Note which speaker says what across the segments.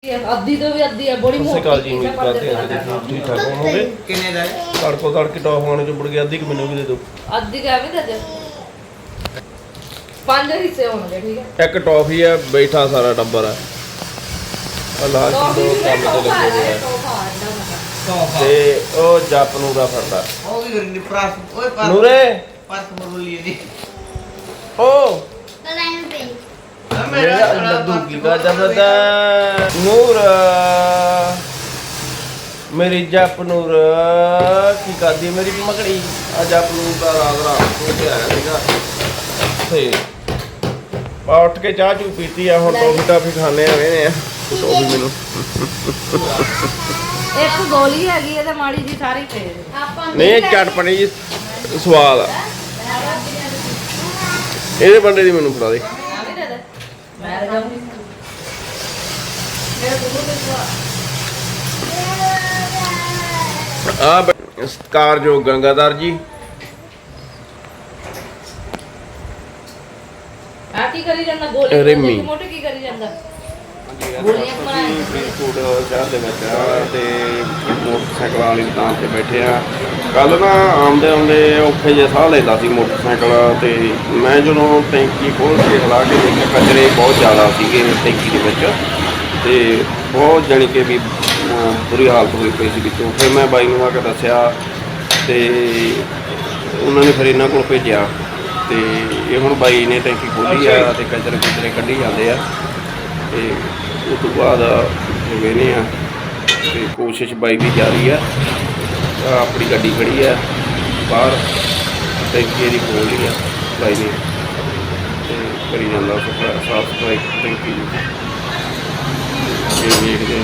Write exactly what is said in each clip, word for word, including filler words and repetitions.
Speaker 1: ਅੱਧੀ ਤੋਂ ਵੀ ਅੱਧੀ ਹੈ ਬੜੀ ਮੋਟੀ
Speaker 2: ਕਾਲ ਜੀ ਉਮੀਦ ਕਰਦੇ ਹਾਂ ਕਿ ਠੀਕ ਠਾਕ ਹੋਵੋਗੇ।
Speaker 3: ਕਿੰਨੇ ਦਾ ਹੈ?
Speaker 2: ਤੜਕੋ ਤੜਕੇ ਟੌਪ ਹੋਣੇ ਚ ਬੜ ਗਿਆ ਅੱਧੀ ਕਿ ਮੈਨੂੰ ਵੀ ਦੇ ਦਿਓ।
Speaker 1: ਅੱਧੀ ਕਾ ਵੀ ਦੇ ਦੇ ਪੰਜ ਹਿੱਸੇ ਹੋਣਗੇ ਠੀਕ ਹੈ।
Speaker 2: ਇੱਕ ਟੌਫੀ ਹੈ ਬੈਠਾ ਸਾਰਾ ਟੱਬਰ ਹੈ ਲਾਲ ਕਿਲੋ ਕੰਮ ਤੇ ਲੱਗੇ ਹੋਏ ਆ ਤੇ ਉਹ ਜੱਪ ਨੂੰ ਦਾ ਫੜਦਾ
Speaker 3: ਉਹ ਵੀ ਗਰੀ ਪ੍ਰਾਸ ਓਏ ਪਰ
Speaker 2: ਨੂਰੇ
Speaker 3: ਪਰ ਮਰੂ ਲਈ ਦੀ
Speaker 2: ਓ
Speaker 4: ਲਾਈਨ ਪੇ
Speaker 2: ਮੇਰਾ ਲੱਡੂ ਕੀ ਕਰਦਾ ਫਿਰਦਾ ਨੂਰ ਮੇਰੀ ਜੱਪ ਨੂਰ ਕੀ ਕਰਦੀ ਮੇਰੀ ਮਗੜੀ ਆ ਜੱਪ ਨੂੰ ਦਾ ਰਾਤ ਰਾਤ ਹੋ ਕੇ ਆਇਆ ਸੀਗਾ ਤੇ ਆ ਉੱਠ ਕੇ ਚਾਹ ਚੂ ਪੀਤੀ ਆ ਹੁਣ ਟੋਫੀ ਟਾਫੀ ਖਾਣੇ ਆ ਵੇਨੇ ਆ ਟੋਫੀ ਮੈਨੂੰ
Speaker 1: ਇੱਕ ਗੋਲੀ ਹੈਗੀ ਇਹਦੇ ਮਾੜੀ ਜੀ ਸਾਰੀ ਪੇ
Speaker 2: ਨਹੀਂ ਚਟਪਟੀ ਜੀ ਸਵਾਦ ਆ ਇਹਦੇ ਬੰਦੇ ਦੀ ਮੈਨੂੰ ਫੜਾ ਦੇ
Speaker 1: ਮੈਂ ਜਾਊਂਗੀ
Speaker 2: ਆ ਸਤਿਕਾਰਯੋਗ ਗੰਗਾਧਰ ਜੀ
Speaker 1: ਆ ਕੀ ਕਰੀ ਜਾਂਦਾ ਗੋਲੀ
Speaker 2: ਰਿੰਮੀ।
Speaker 1: ਮੋਟੇ ਕੀ ਕਰੀ ਜਾਂਦਾ ਗੋਲੀਆਂ ਬਣਾਈ
Speaker 2: ਫਰੀਦਕੋਟ ਸ਼ਹਿਰ ਦੇ ਵਿੱਚ ਆ ਤੇ ਮੋਟਰਸਾਈਕਲ ਵਾਲੀ ਦੁਕਾਨ ਤੇ ਬੈਠੇ ਆ ਕੱਲ ਨਾ ਆਉਂਦੇ ਆਉਂਦੇ ਔਖੇ ਜਿਹੇ ਸਾਹ ਲੈਂਦਾ ਸੀ ਮੋਟਰਸਾਈਕਲ ਤੇ ਮੈਂ ਜਦੋਂ ਟੈਂਕੀ ਖੋਲ੍ਹ ਕੇ ਹਿਲਾ ਕੇ ਦੇਖਿਆ ਕਚਰੇ ਬਹੁਤ ਜ਼ਿਆਦਾ ਸੀਗੇ ਟੈਂਕੀ ਦੇ ਵਿੱਚ ਤੇ ਬਹੁਤ ਜਾਣੀ ਕਿ ਵੀ ਬੁਰੀ ਹਾਲਤ ਹੋਈ ਪਈ ਸੀ ਵਿੱਚੋਂ ਫਿਰ ਮੈਂ ਬਾਈ ਨੂੰ ਆ ਕੇ ਦੱਸਿਆ ਤੇ ਉਹਨਾਂ ਨੇ ਫਿਰ ਇਹਨਾਂ ਕੋਲ ਭੇਜਿਆ ਤੇ ਇਹ ਹੁਣ ਬਾਈ ਨੇ ਟੈਂਕੀ ਖੋਲ੍ਹੀ ਆ ਤੇ ਕਚਰੇ ਕੁਚਰੇ ਕੱਢੀ ਜਾਂਦੇ ਆ ਤੇ ਉਸ ਤੋਂ ਬਾਅਦ ਵੇਨੇ ਆ ਤੇ ਕੋਸ਼ਿਸ਼ ਬਾਈ ਦੀ ਜਾਰੀ ਆ ਆਪਣੀ ਗੱਡੀ ਖੜੀ ਆ ਬਾਹਰ ਟੈਂਕੀ ਦੀ ਖੋਲ੍ਹੀ ਆ ਬਾਈ ਨੇ ਤੇ ਕਰੀ ਜਾਂਦਾ ਸਾਫ ਸਫਾਈ ਟੈਂਕੀ ਦੀ ਇਹ ਵੇਖਦੇ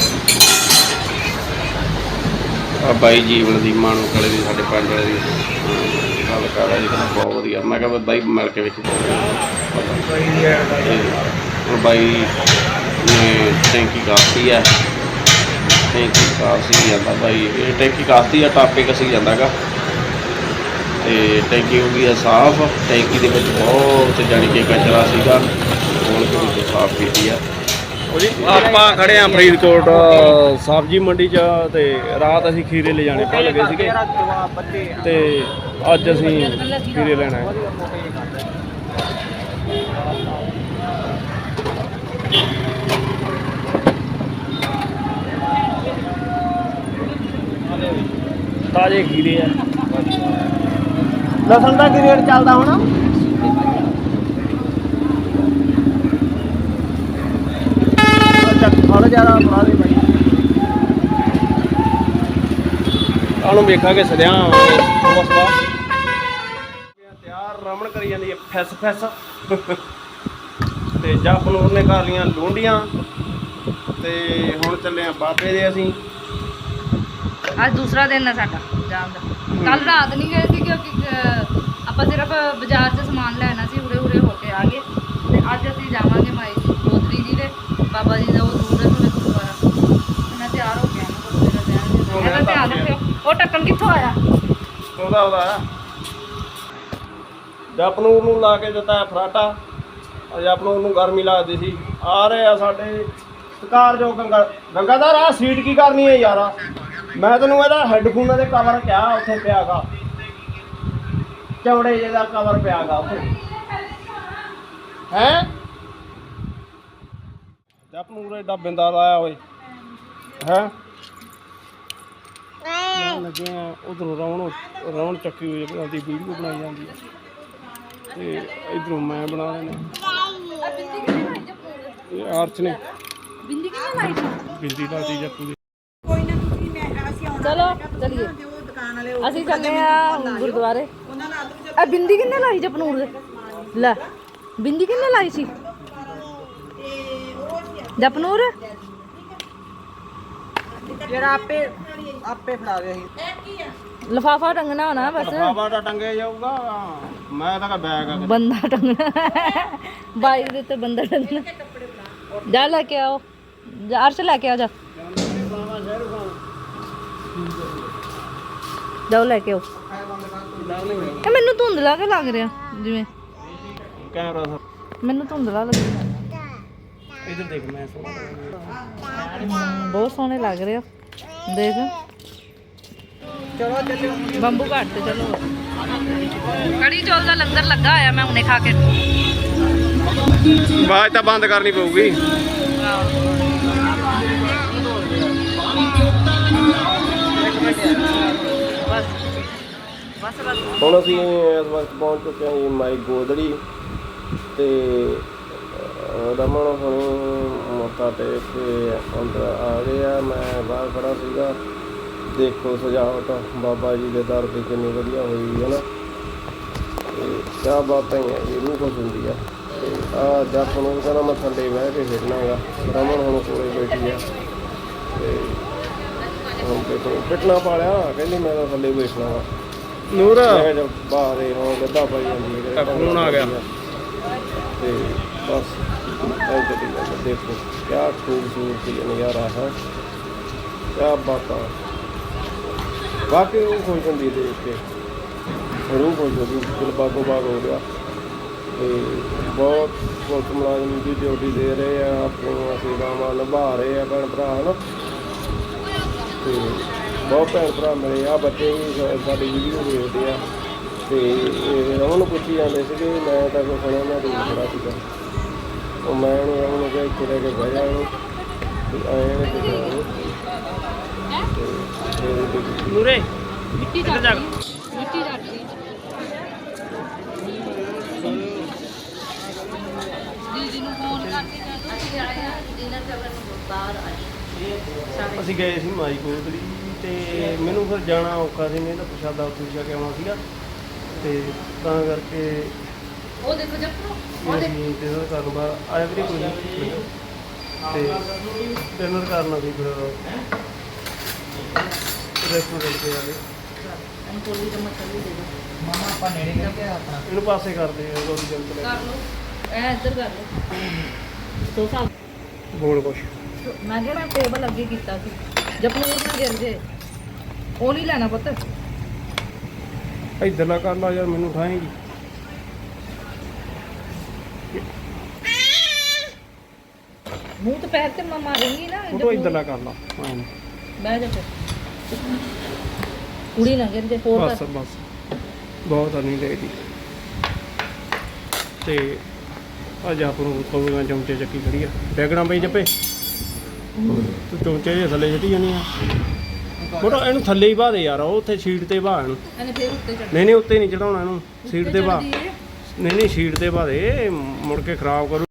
Speaker 2: ਆ ਬਾਈ ਜੀਵਨ ਦੀ ਮਾਂ ਨੂੰ ਕਲੇ ਦੀ ਸਾਡੇ ਪਿੰਡ ਵਾਲੇ ਦੀ ਗੱਲ ਕਰ ਰਿਹਾ ਜੀ ਬਹੁਤ ਵਧੀਆ ਮੈਂ ਕਿਹਾ ਬਾਈ ਮਿਲ ਕੇ ਵਿੱਚ ਹੁਣ ਬਾਈ ਨੇ ਟੈਂਕੀ ਕਾਸਤੀ ਹੈ ਟੈਂਕੀ ਕਾਸਤੀ ਜਾਂਦਾ ਬਾਈ ਇਹ ਟੈਂਕੀ ਕਾਸਤੀ ਆ ਟਾਪੇ ਕਸੀ ਜਾਂਦਾ ਗਾ ਤੇ ਟੈਂਕੀ ਹੋ ਗਈ ਆ ਸਾਫ਼ ਟੈਂਕੀ ਦੇ ਵਿੱਚ ਬਹੁਤ ਜਾਣੀ ਕਿ ਕਚਰਾ ਸੀਗਾ ਹੁਣ ਵੀ ਸਾਫ਼ ਕੀਤੀ ਆ ਆਪਾਂ ਖੜੇ ਆ ਫਰੀਦਕੋਟ ਸਬਜ਼ੀ ਮੰਡੀ 'ਚ ਤੇ ਰਾਤ ਅਸੀਂ ਖੀਰੇ ਲੈ ਜਾਣੇ ਭੁੱਲ ਗਏ ਸੀਗੇ ਤੇ ਅੱਜ ਅਸੀਂ ਖੀਰੇ ਲੈਣਾ ਹੈ ਤਾਜ਼ੇ ਖੀਰੇ ਆ ਲਸਣ ਦਾ ਕੀ ਰੇਟ ਚੱਲਦਾ ਹੁਣ ਥੋੜਾ ਜਿਆਦਾ ਬਣਾ ਦੇ ਭਾਈ ਆਨੂੰ ਵੇਖਾਂਗੇ ਸਦਿਆਂ ਮਸਵਾ ਤਿਆਰ ਰਮਣ ਕਰੀ ਜਾਂਦੀ ਹੈ ਫੈਸ ਫੈਸ ਤੇ ਜੱਪ ਨੂੰ ਉਹਨੇ ਕਰ ਲੀਆਂ ਲੂੰਡੀਆਂ ਤੇ ਹੁਣ ਚੱਲੇ ਆ ਬਾਬੇ ਦੇ ਅਸੀਂ
Speaker 1: ਅੱਜ ਦੂਸਰਾ ਦਿਨ ਹੈ ਸਾਡਾ ਜਾਣ ਦਾ ਕੱਲ ਰਾਤ ਨਹੀਂ ਗਏ ਸੀ ਕਿਉਂਕਿ ਆਪਾਂ ਸਿਰਫ ਬਾਜ਼ਾਰ 'ਚ ਸਮਾਨ ਲੈਣਾ ਸੀ ਉਰੇ ਉਰੇ ਹੋ ਕੇ ਆ ਗਏ ਤੇ ਅੱਜ ਅਸੀਂ ਜਾਵਾਂਗੇ ਮਾਈ ਗੋਤਰੀ ਜੀ ਦੇ ਬਾਬਾ ਜੀ ਦਾ ਉਹ ਦੂਰ ਹੈ ਥੋੜੇ ਗੁਰਦੁਆਰਾ ਮੈਂ ਤਿਆਰ ਹੋ ਗਿਆ ਇਹਦਾ ਧਿਆਨ ਰੱਖਿਓ ਉਹ ਟੱਕਣ ਕਿੱਥੋਂ ਆਇਆ
Speaker 2: ਉਹਦਾ ਉਹਦਾ ਜੱਪ ਨੂੰ ਉਹਨੂੰ ਲਾ ਕੇ ਦਿੱਤਾ ਫਰਾਟਾ ਜੱਪ ਨੂੰ ਉਹਨੂੰ ਗਰਮੀ ਲੱਗਦੀ ਸੀ ਆ ਰਹੇ ਆ ਸਾਡੇ ਸਤਿਕਾਰ ਜੋ ਗੰਗਾ ਗੰਗਾਧਰ ਆ ਸੀਟ ਕੀ ਕਰਨੀ ਹੈ ਯਾਰ ਮੈਂ ਤੈਨੂੰ ਇਹਦਾ ਹੈੱਡਫੋਨਾਂ ਦੇ ਕਵਰ ਕਿਹਾ ਉੱਥੇ ਪਿਆ ਗਾ ਚੌੜੇ ਜਿਹੇ ਦਾ ਕਵਰ ਪਿਆ ਗਾ ਉੱਥੇ ਹੈਂ ਜੱਪ ਨੂੰ ਏਡਾ ਬਿੰਦਾ ਲਾਇਆ ਹੋਏ ਹੈਂ ਲੱਗੇ ਆ ਉਧਰੋਂ ਰੌਣ ਰੌਣ ਚੱਕੀ ਹੋਈ ਬਣਾਉਂਦੀ ਵੀਡੀਓ ਬਣਾਈ ਜਾਂਦੀ ਹੈ ਤੇ ਇਧਰੋਂ ਮੈਂ ਬਣਾ ਲੈਣਾ ਇਹ ਆਰਚ ਨੇ
Speaker 1: ਬਿੰਦੀ ਕਿੰਨੇ ਲਾਈ
Speaker 2: ਬਿੰਦੀ ਲਾਤੀ ਜੱਪੂ ਦੀ
Speaker 1: ਚਲੋ ਚਲੀਏ ਅਸੀਂ ਚੱਲੇ ਆ ਗੁਰਦੁਆਰੇ ਆ ਬਿੰਦੀ ਕਿੰਨੇ ਲਾਈ ਜਪਨੂਰ ਦੇ ਲੈ ਬਿੰਦੀ ਕਿੰਨੇ ਲਾਈ ਸੀ ਜਪਨੂਰ
Speaker 3: ਜਿਹੜਾ ਆਪੇ ਆਪੇ ਫੜਾ ਦੇ ਅਸੀਂ
Speaker 1: ਲਫਾਫਾ ਟੰਗਣਾ ਹੋਣਾ ਬਸ
Speaker 2: ਲਫਾਫਾ ਤਾਂ ਟੰਗੇ ਜਾਊਗਾ ਮੈਂ ਤਾਂ ਬੈਗ ਆ
Speaker 1: ਬੰਦਾ ਟੰਗਣਾ ਬਾਈਕ ਦੇ ਉੱਤੇ ਬੰਦਾ ਟੰਗਣਾ ਜਾ ਲੈ ਕੇ ਆਓ ਜਾ ਅਰਸ਼ ਲੈ ਕੇ ਆ ਜਾ ਜਾਓ ਲੈ ਕੇ ਆਓ ਇਹ ਮੈਨੂੰ ਧੁੰਦਲਾ ਕਿ ਲੱਗ ਰਿਹਾ ਜਿਵੇਂ
Speaker 2: ਕੈਮਰਾ
Speaker 1: ਮੈਨੂੰ ਧੁੰਦਲਾ ਲੱਗ ਰਿਹਾ
Speaker 2: ਇਧਰ ਦੇਖ ਮੈਂ ਸੋਹਣਾ
Speaker 1: ਹਮ, ਬਹੁਤ ਸੋਹਣੇ ਲੱਗ ਰਹੇ ਹੋ ਦੇਖ
Speaker 3: ਚਲੋ ਚੱਲਿਓ
Speaker 1: ਬੰਬੂ ਘਾਟ ਤੇ ਚਲੋ ਕੜੀ ਚੌਲ ਦਾ ਲੰਗਰ ਲੱਗਾ ਹੋਇਆ ਮੈਂ ਹੁਣੇ ਖਾ ਕੇ
Speaker 2: ਆਵਾਜ਼ ਤਾਂ ਬੰਦ ਕਰਨੀ ਪਊਗੀ।
Speaker 1: ਬਸ ਬਸ ਬਸ
Speaker 2: ਹੁਣ ਅਸੀਂ ਇਸ ਵਕਤ ਪਹੁੰਚ ਚੁੱਕੇ ਹਾਂ ਜੀ ਮਾਈ ਗੋਦੜੀ ਤੇ ਅਹ, ਰਮਨ ਹੁਣ ਮੱਥਾ ਟੇਕ ਕੇ ਅੰਦਰ ਆ ਗਏ ਆ। ਮੈਂ ਬਾਹਰ ਖੜਾ ਸੀਗਾ। ਦੇਖੋ ਸਜਾਵਟ ਬਾਬਾ ਜੀ ਦੇ ਦਰ ਦੀ ਕਿੰਨੀ ਵਧੀਆ ਹੋਈ ਹੈ ਨਾ ਤੇ ਕਿਆ ਬਾਤਾਂ ਹੀ ਹੈ ਜੀ, ਰੂਹ ਖੁਸ਼ ਹੁੰਦੀ ਆ। ਤੇ ਆਹ ਜੱਟ ਨੂੰ ਵੀ ਕਹਿੰਦਾ ਮੈਂ ਥੱਲੇ ਬਹਿ ਕੇ ਖੇਡਣਾ ਗਾ। ਰਮਨ ਹੁਣ ਕੋਲੇ ਬੈਠੀ ਆ ਤੇ ਹੁਣ ਦੇਖੋ ਪਿੱਟਣਾ ਪਾ ਲਿਆ, ਕਹਿੰਦੀ ਮੈਂ ਤਾਂ ਥੱਲੇ ਬੈਠਣਾ ਵਾ। ਨੂਰ ਬਾਹਰ ਦੇ ਹੁਣ ਗੱਦਾ ਪਾਈ ਜਾਂਦੀ ਹੈ, ਫੋਨ ਆ ਗਿਆ ਤੇ ਬਸ ਐਂ ਚੱਲੀ ਜਾਂਦਾ। ਦੇਖੋ ਕਿਆ ਖੂਬਸੂਰਤੀ ਨਜ਼ਾਰਾ ਹੈ, ਕਿਆ ਬਾਤਾਂ। ਵਾਕਈ ਉਹ ਖੁਸ਼ ਹੁੰਦੀ ਦੇਖ ਕੇ, ਰੂਹ ਖੁਸ਼ ਹੋ ਗਈ, ਦਿਲ ਬਾਗੋ ਬਾਗ ਹੋ ਗਿਆ। ਤੇ ਬਹੁਤ ਪੁਲਿਸ ਮੁਲਾਜ਼ਮ ਦੀ ਡਿਊਟੀ ਦੇ ਰਹੇ ਆ, ਆਪਣੀਆਂ ਸੇਵਾਵਾਂ ਨਿਭਾ ਰਹੇ ਆ ਭੈਣ ਭਰਾ ਹੈ ਨਾ। ਤੇ ਬਹੁਤ ਭੈਣ ਭਰਾ ਮਿਲੇ ਆ, ਬੱਚੇ ਵੀ ਸਾ- ਸਾਡੀ ਵੀਡੀਓ ਦੇਖਦੇ ਆ ਤੇ ਇਹ ਰਮਨ ਨੂੰ ਪੁੱਛੀ ਜਾਂਦੇ ਸੀਗੇ। ਮੈਂ ਤਾਂ ਕੋਈ ਸੁਣਿਆ ਮੈਂ ਦੂਰ ਖੜਾ ਸੀਗਾ, ਉਹ ਮੈਂ ਉਹਨੂੰ ਰਮਨ ਨੂੰ ਕਿਹਾ ਇੱਥੇ ਲੈ ਕੇ ਬਹਿ ਜਾ ਇਹਨੂੰ ਤੇ ਆਏ ਨੇ ਤੇ
Speaker 1: ਨੂਰੇ ਮਿੱਟੀ ਚੱਟ ਰਹੀ ਮਿੱਟੀ ਚੱਟ ਰਹੀ ਦੀਦੀ ਨੂੰ ਫੋਨ ਕਰਕੇ ਜਦੋਂ ਅਸੀਂ ਆਏ ਆ ਡਿਨਰ ਕਰਨ ਬਾਹਰ ਆਏ
Speaker 2: ਅਸੀਂ ਗਏ ਸੀ ਮਾਈ ਗੋਦੜੀ ਤੇ ਮੈਨੂੰ ਫਿਰ ਜਾਣਾ ਔਖਾ ਸੀ, ਨਹੀਂ ਤਾਂ ਪ੍ਰਸ਼ਾਦਾ ਉੱਥੇ ਜਾ ਕੇ ਆਉਣਾ ਸੀਗਾ ਤੇ ਤਾਂ ਕਰਕੇ
Speaker 1: ਉਹ ਦੇਖੋ ਜੱਪੂ ਉਹ ਦੇਖ
Speaker 2: ਅਸੀਂ ਡਿਨਰ ਕਰਨ ਬਾਅਦ ਆਇਆ ਵੀ ਕੋਈ ਨਹੀਂ ਤੇ ਡਿਨਰ ਕਰਨਾ ਸੀ ਫਿਰ ਰੈਸਟੋਰੈਂਟ ਤੇ ਆ ਗਏ।
Speaker 1: ਅੰਕੋਲੀ ਦਾ ਮਸਲਾ ਦੇ ਦੋ
Speaker 3: ਮਾਮਾ ਆਪਾਂ ਨੇੜੇ ਕਿਹੜਾ ਪਿਆ ਆਪਣਾ
Speaker 2: ਇਹਨੂੰ ਪਾਸੇ ਕਰਦੇ ਆ ਗੋਲੀ ਜੰਤ ਲੈ
Speaker 1: ਕਰ ਲਓ ਐ ਇੱਧਰ ਕਰ ਲਓ ਸੋ ਸਾਲ
Speaker 2: ਬੋਲ ਕੁਛ।
Speaker 1: ਮੈਂ ਕਿਹਾ ਮੈਂ ਟੇਬਲ ਅੱਗੇ ਕੀਤਾ ਸੀ ਜਪਨੂਰ ਨਾ ਗਿਰ ਜੇ ਉਹ ਨਹੀਂ ਲੈਣਾ ਪੁੱਤ
Speaker 2: ਇੱਧਰ ਨਾ ਕਰ ਲਾ ਯਾਰ, ਮੈਨੂੰ ਉਠਾਏਂਗੀ।
Speaker 1: ਮੂੰਹ ਤੇ ਪੈਰ ਤੇ ਮਾਰੇਂਗੀ ਨਾ
Speaker 2: ਫੋਟੋ ਇੱਧਰ ਨਾ ਕਰ ਲਾ ਹਾਂ।
Speaker 1: ਬਹਿ ਜਾ ਫਿਰ ਕੁੜੀ ਨਾ ਗਿਰ ਜੇ ਹੋਰ
Speaker 2: ਬਸ
Speaker 1: ਕਰ
Speaker 2: ਬਸ ਬਹੁਤ ਨਹੀਂ ਲੈਦੀ ਤੇ ਅੱਜ ਆਪ ਨੂੰ ਕੋਵੇਂ ਚਮਚੇ ਚੱਕੀ ਖੜੀ ਆ ਡੈਗਣਾ ਬਈ ਜੱਪੇ ਤੂੰ ਚਮਚੇ ਦੇ ਥੱਲੇ ਛੱਡੀ ਜਾਨੀ ਆ। ਫੋਟੋ ਇਹਨੂੰ ਥੱਲੇ ਹੀ ਬਾਹ ਦੇ ਯਾਰ, ਉਹ ਉੱਥੇ ਸ਼ੀਟ ਤੇ ਬਾਹ ਇਹਨੂੰ।
Speaker 1: ਇਹਨੇ ਫੇਰ ਉੱਤੇ ਚੜ੍ਹ
Speaker 2: ਨਹੀਂ ਨਹੀਂ ਉੱਤੇ ਨਹੀਂ ਚੜਾਉਣਾ ਇਹਨੂੰ, ਸੀਟ ਤੇ ਬਾਹ।
Speaker 1: ਚੜ੍ਹਦੀ ਏ।
Speaker 2: ਨਹੀਂ ਨਹੀਂ ਸ਼ੀਟ ਤੇ ਬਾਹ ਦੇ, ਮੁੜ ਕੇ ਖਰਾਬ ਕਰੂ।